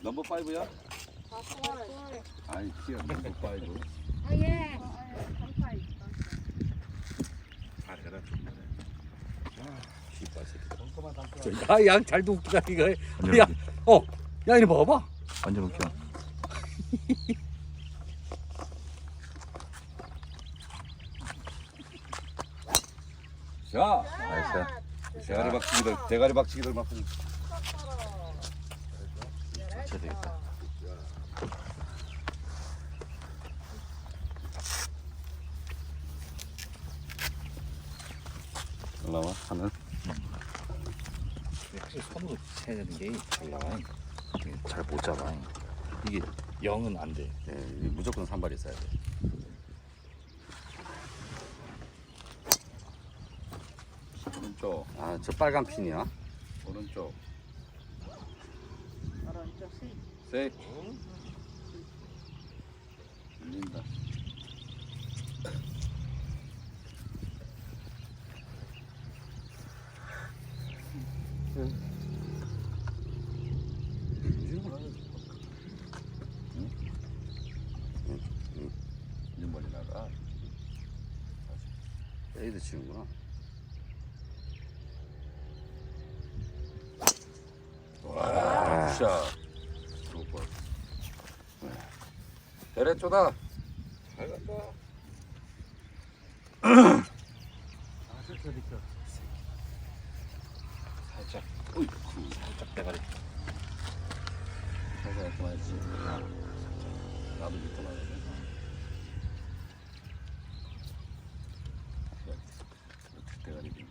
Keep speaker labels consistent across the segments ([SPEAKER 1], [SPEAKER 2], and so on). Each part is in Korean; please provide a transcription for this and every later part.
[SPEAKER 1] 넘버 5야? 아니 키야 넘버 5.
[SPEAKER 2] 아 예.
[SPEAKER 1] 잘해라 좀.
[SPEAKER 3] 양 잘 돕기다 이거. 야, 야 이리 봐봐.
[SPEAKER 4] 완전 웃겨.
[SPEAKER 1] 자,
[SPEAKER 4] 나이스.
[SPEAKER 1] 대가리 박치기들 막.
[SPEAKER 4] 쳐야 되겠다.
[SPEAKER 1] 올라와 하늘.
[SPEAKER 3] 확실히 손으로 쳐야 되는 게 잘 나와.
[SPEAKER 4] 잘 못 잡아.
[SPEAKER 3] 이게 0은 안 돼.
[SPEAKER 1] 예, 무조건 산발이 있어야 돼. 오른쪽. 아, 저 빨간 핀이야? 오른쪽. 세. 들린다. 이제 머리 나가. 에이드 치는구나. 와, 샷. 굿볼. 대래 쪼다. 잘 간다.
[SPEAKER 3] 살짝,
[SPEAKER 1] 어이,
[SPEAKER 3] 살짝 대가리.
[SPEAKER 1] 살살 이렇게 맞지. 나도 밑에 맞거든. 대가리 빈.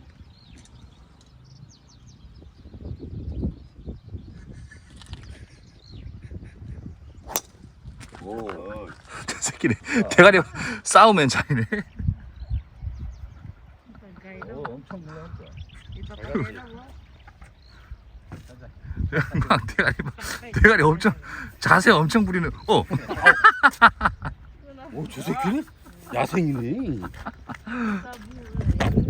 [SPEAKER 1] 오,
[SPEAKER 4] 저 새끼네. 대가리 싸우면 차이네.
[SPEAKER 3] 엄청 물렁했어.
[SPEAKER 4] 대가리 엄청 자세 엄청 부리는.
[SPEAKER 1] 오, 저 새끼는 야생이네.